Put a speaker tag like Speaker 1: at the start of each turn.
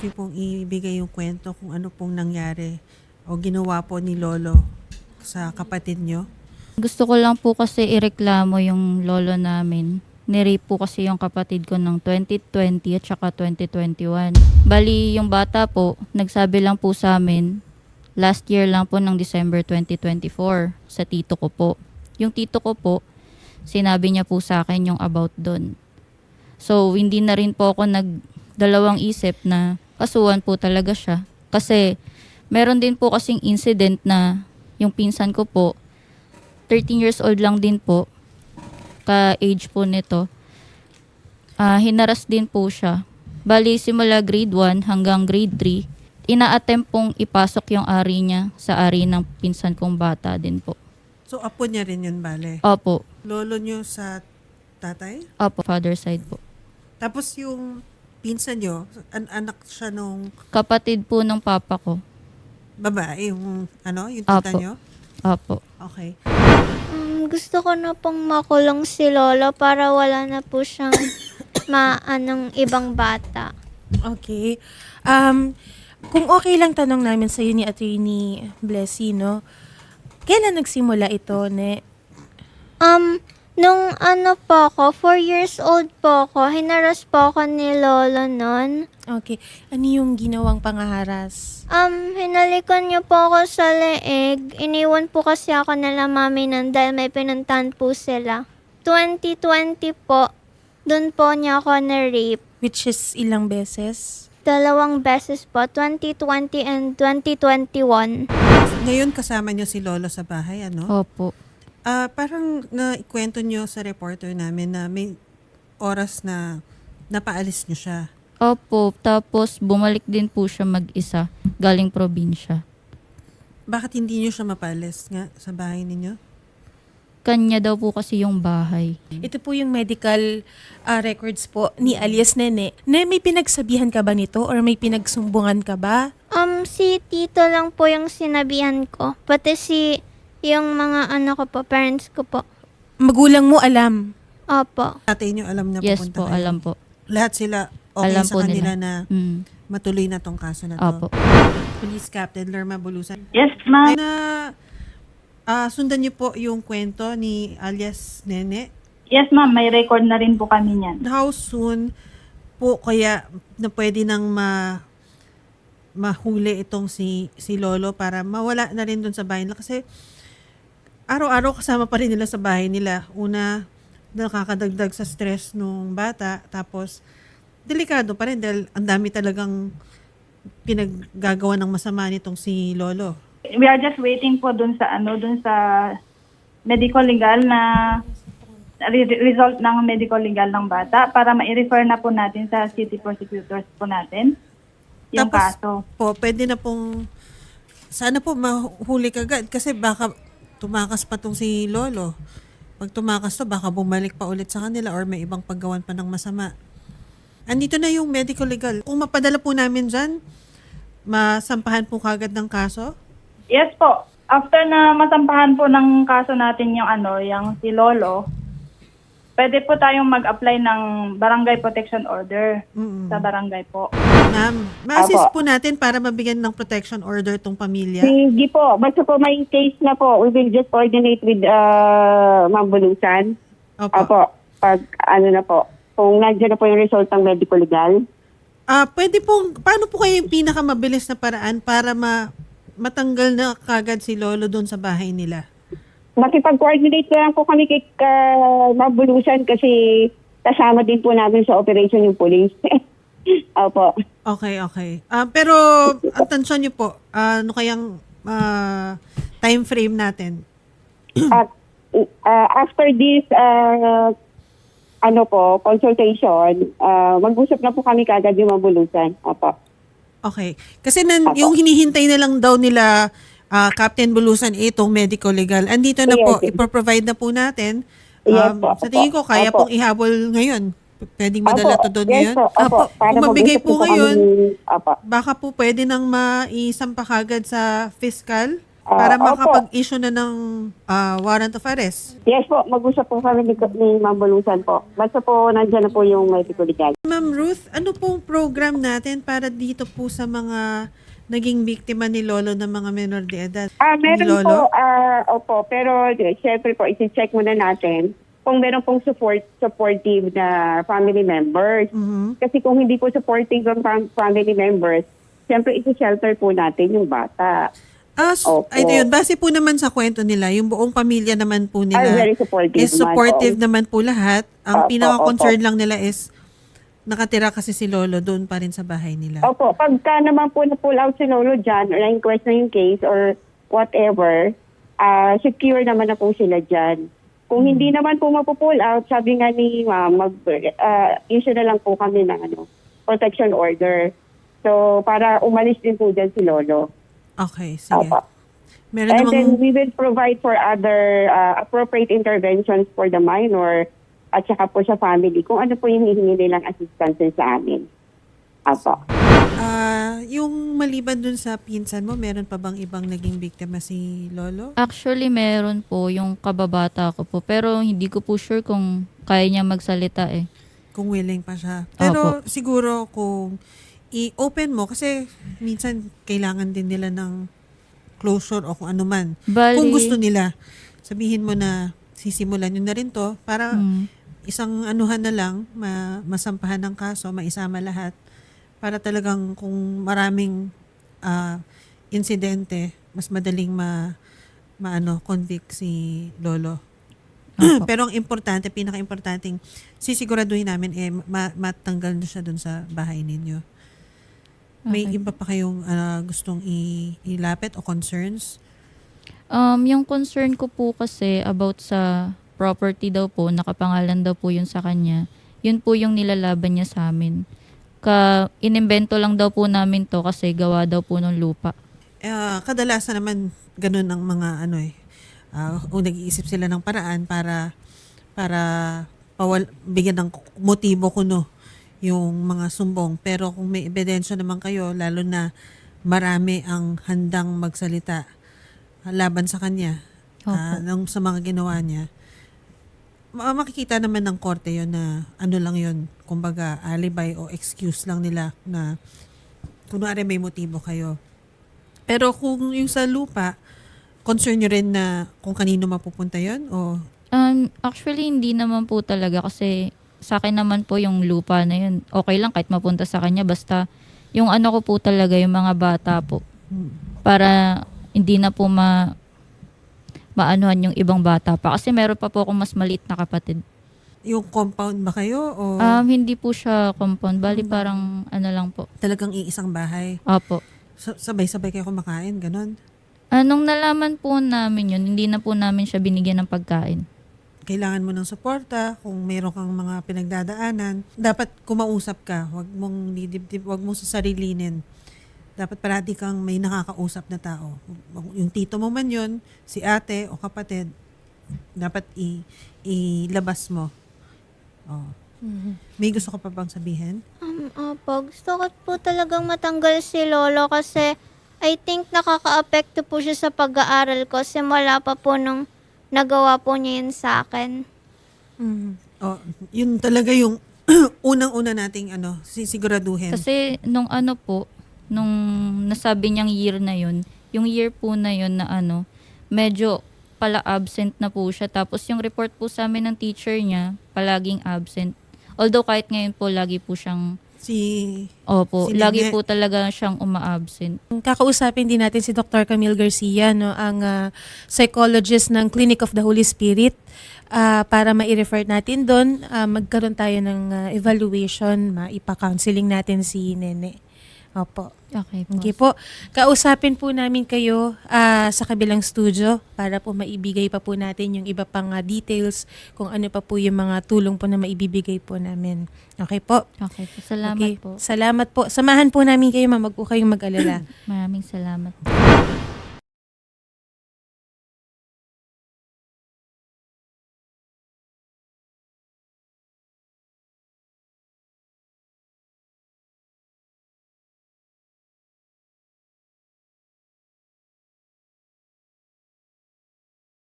Speaker 1: niyo pong ibigay yung kwento kung ano pong nangyari o ginawa po ni Lolo sa kapatid niyo?
Speaker 2: Gusto ko lang po kasi ireklamo yung lolo namin. Nirape po kasi yung kapatid ko ng 2020 at saka 2021. Bali, yung bata po, nagsabi lang po sa amin, last year lang po ng December 2024 sa tito ko po. Yung tito ko po, sinabi niya po sa akin yung about doon. So, hindi na rin po ako nagdalawang isip na kasuhan po talaga siya. Kasi, meron din po kasing incident na yung pinsan ko po, 13 years old lang din po, ka-age po nito, hinaras din po siya. Bali, simula grade 1 hanggang grade 3, ina-attempt pong ipasok yung ari niya sa ari ng pinsan kong bata din po.
Speaker 1: So, apo niya rin yun, bale?
Speaker 2: Opo.
Speaker 1: Lolo niyo sa tatay?
Speaker 2: Opo, father side po.
Speaker 1: Tapos yung pinsan niyo, anak siya nung
Speaker 2: Kapatid po ng papa ko.
Speaker 1: babae, yung yung tita
Speaker 2: Apo.
Speaker 1: niyo?
Speaker 2: Opo.
Speaker 1: Okay.
Speaker 3: Gusto ko na pong makulong si Lolo para wala na po siyang maanong ibang bata.
Speaker 4: Okay. Kung okay lang tanong namin sa ni Attorney Blessy, no? Kailan nagsimula ito, ne?
Speaker 3: Nung po ako, 4 years old po ako, hinaras po ako ni Lolo nun.
Speaker 4: Okay. Ano yung ginawang pangaharas?
Speaker 3: Hinalikan niyo po ako sa leeg. Iniwan po kasi ako nila mami nun dahil may pinuntahan po sila. 2020 po, dun po niya ako na-rape.
Speaker 4: Which is ilang beses?
Speaker 3: 2 beses po, 2020 and 2021.
Speaker 1: Ngayon kasama niyo si Lolo sa bahay, ano?
Speaker 2: Opo.
Speaker 1: Parang naikwento niyo sa reporter namin na may oras na napaalis niyo siya.
Speaker 2: Opo. Tapos, bumalik din po siya mag-isa, galing probinsya.
Speaker 1: Bakit hindi niyo siya mapaalis nga sa bahay ninyo?
Speaker 2: Kanya daw po kasi yung bahay.
Speaker 4: Ito po yung medical records po ni alias Nene. Ne, may pinagsabihan ka ba nito or may pinagsumbungan ka ba?
Speaker 3: Si Tito lang po yung sinabihan ko. Pati yung mga ko po, parents ko po.
Speaker 4: Magulang mo alam.
Speaker 3: Opo.
Speaker 1: Tatay niyo alam na
Speaker 2: Yes
Speaker 1: pupunta
Speaker 2: po,
Speaker 1: kayo?
Speaker 2: alam po.
Speaker 1: Lahat sila okay
Speaker 2: Alam
Speaker 1: sa
Speaker 2: po
Speaker 1: kanila
Speaker 2: nila.
Speaker 1: na matuloy na tong kaso na to?
Speaker 2: Opo.
Speaker 1: Police Captain Lerma Bulusan.
Speaker 5: Yes, ma'am.
Speaker 1: Sundan niyo po yung kwento ni alias Nene.
Speaker 5: Yes, ma'am. May record na rin po kami niyan.
Speaker 1: How soon po kaya na pwede nang mahuli itong si Lolo para mawala na rin doon sa bahay nila? Kasi araw-araw kasama pa rin nila sa bahay nila. Una, nakakadagdag sa stress nung bata. Tapos, delikado pa rin dahil ang dami talagang pinaggagawa ng masama nitong si Lolo.
Speaker 5: We are just waiting po dun sa medical legal na result ng medical legal ng bata para ma-refer na po natin sa city prosecutors po natin yung
Speaker 1: Tapos
Speaker 5: kaso.
Speaker 1: po, pwede na pong sana po mahuli kagad kasi baka tumakas pa tong si Lolo. Pag tumakas to, baka bumalik pa ulit sa kanila or may ibang paggawan pa ng masama. Andito na yung medical legal. Kung mapadala po namin dyan, masampahan po kagad ng kaso?
Speaker 5: Yes po. After na masampahan po ng kaso natin yung yung si Lolo, pwede po tayong mag-apply ng barangay protection order sa barangay po.
Speaker 1: Ma'am, ma-assist po natin para mabigyan ng protection order tong pamilya.
Speaker 6: Hindi po. Basta po may case na po, we will just coordinate with Ma'am Bulusan. Opo. Pag na po, kung nandiyan na po yung result ng medical legal.
Speaker 1: Pwede pong, paano po kayo yung pinakamabilis na paraan para matanggal na kagad si Lolo doon sa bahay nila?
Speaker 6: Makipag-coordinate na lang po kami kay Ma'am Bulusan kasi kasama din po namin sa operation yung police. Opo.
Speaker 1: Okay. Pero, ang tansyon niyo po, ano kayang time frame natin?
Speaker 6: At after this consultation, mag-usap na po kami kagad yung Ma'am Bulusan. Opo.
Speaker 1: Okay. Kasi yung hinihintay na lang daw nila Captain Bulusan itong medical legal. Andito na po,
Speaker 6: Yes.
Speaker 1: ipro-provide na po natin.
Speaker 6: Yes po.
Speaker 1: Sa tingin ko, kaya
Speaker 6: Opo.
Speaker 1: pong ihabol ngayon. Pwedeng madala to doon
Speaker 6: Yes
Speaker 1: ngayon.
Speaker 6: po. Opo. Para
Speaker 1: Kung mabigay
Speaker 6: mag-usap
Speaker 1: po
Speaker 6: kami.
Speaker 1: ngayon,
Speaker 6: Opo.
Speaker 1: baka po pwede nang maisampa kagad sa fiscal. para
Speaker 6: Opo.
Speaker 1: makapag-issue na ng warrant of arrest.
Speaker 6: Yes po, mag-usap po kami ni Ma'am Bulusan po. Basta po nandiyan na po yung medical legal.
Speaker 1: Ma'am Ruth, ano pong program natin para dito po sa mga naging biktima ni Lolo ng mga menor de edad? Ni
Speaker 6: Meron
Speaker 1: Lolo?
Speaker 6: po, opo, pero syempre po, isi-check muna natin kung meron pong supportive na family members.
Speaker 1: Mhm.
Speaker 6: Kasi kung hindi po supportive ang family members, syempre isi-shelter po natin yung bata. Opo.
Speaker 1: Ay, yun. Base po naman sa kwento nila, yung buong pamilya naman po nila
Speaker 6: Very supportive
Speaker 1: is supportive
Speaker 6: naman.
Speaker 1: naman po lahat. Ang
Speaker 6: Opo,
Speaker 1: pinaka-concern lang nila is nakatira kasi si Lolo doon pa rin sa bahay nila.
Speaker 6: Opo, pagka naman po na-pull out si Lolo dyan, or na-inquest na yung case, or whatever, secure naman na po sila dyan. Kung hindi naman po mapupull out, sabi nga ni Ma'am, issue na lang po kami ng protection order. So, para umalis din po dyan si Lolo.
Speaker 1: Okay, sige.
Speaker 6: Opo.
Speaker 1: Meron
Speaker 6: And then
Speaker 1: namang...
Speaker 6: we will provide for other appropriate interventions for the minor at saka po sa family kung ano po yung hihingi nilang assistance sa amin. Apo.
Speaker 1: Yung maliban dun sa pinsan mo, meron pa bang ibang naging biktima si Lolo?
Speaker 2: Actually, meron po yung kababata ko po. Pero hindi ko po sure kung kaya niya magsalita eh.
Speaker 1: Kung willing pa siya. Pero siguro kung i-open mo, kasi minsan kailangan din nila ng closure o kung ano man.
Speaker 2: Bali-
Speaker 1: Kung gusto nila, sabihin mo na sisimulan nyo na rin to para isang anuhan na lang, masampahan ng kaso, maisama lahat para talagang kung maraming insidente, mas madaling convict si Lolo. Pero ang importante, pinaka-importanting, sisiguraduhin namin matanggal na siya dun sa bahay ninyo. May
Speaker 2: Okay.
Speaker 1: iba pa kayong gustong ilapit o concerns?
Speaker 2: Yung concern ko po kasi about sa property daw po, nakapangalan daw po yun sa kanya. Yun po yung nilalaban niya sa amin. Inimbento lang daw po namin to kasi gawa daw po ng lupa.
Speaker 1: Kadalasan naman ganun ang mga kung nag-iisip sila ng paraan para bigyan ng motibo kuno yung mga sumbong. Pero kung may ebidensya naman kayo, lalo na marami ang handang magsalita laban sa kanya sa mga ginawa niya, makikita naman ng korte yon na lang yon, kumbaga alibi o excuse lang nila na kunwari may motibo kayo. Pero kung yung sa lupa, concern nyo rin na kung kanino mapupunta yon o
Speaker 2: Actually, hindi naman po talaga kasi sa akin naman po yung lupa na yun. Okay lang kahit mapunta sa kanya. Basta yung ano ko po talaga, yung mga bata po. Para hindi na po maanuhan yung ibang bata pa. Kasi meron pa po akong mas maliit na kapatid.
Speaker 1: yung compound ba kayo o
Speaker 2: Hindi po siya compound. Bali parang ano lang po.
Speaker 1: talagang iisang bahay?
Speaker 2: Opo.
Speaker 1: Sabay-sabay kayo kumakain, ganon?
Speaker 2: Nung nalaman po namin yun, hindi na po namin siya binigyan ng pagkain.
Speaker 1: Kailangan mo ng suporta, kung meron kang mga pinagdadaanan, dapat kumausap ka, wag mong didibdib, wag mong sasarilinin. Dapat parati kang may nakakausap na tao. Yung tito mo man yun, si ate o kapatid, dapat ilabas mo. Oh. May gusto ka pa bang sabihin?
Speaker 3: Opo, gusto ko po talagang matanggal si Lolo kasi I think nakaka-apekto po siya sa pag-aaral ko simula pa po nung nagawa po niya yun sa akin.
Speaker 1: Oh, yun talaga yung unang-una nating sisiguraduhin.
Speaker 2: Kasi nung nung nasabi niyang year na yun, yung year po na yun na medyo pala absent na po siya. Tapos yung report po sa amin ng teacher niya, palaging absent. Although kahit ngayon po, lagi po siyang, Opo,
Speaker 1: si
Speaker 2: lagi
Speaker 1: Nene.
Speaker 2: po talaga siyang uma-absent.
Speaker 4: Kakausapin din natin si Dr. Camille Garcia, no, ang psychologist ng Clinic of the Holy Spirit, para ma-refer natin doon, magkaroon tayo ng evaluation, maipa-counseling natin si Nene. Opo.
Speaker 2: Okay po.
Speaker 4: Okay po. Kausapin po namin kayo sa kabilang studio para po maibigay pa po natin yung iba pang details kung ano pa po yung mga tulong po na maibibigay po namin. Okay po?
Speaker 2: Okay po. Salamat
Speaker 4: Okay.
Speaker 2: po.
Speaker 4: Salamat po. Samahan po namin kayo, ma'am. Wag po kayong mag-alala.
Speaker 2: Maraming salamat.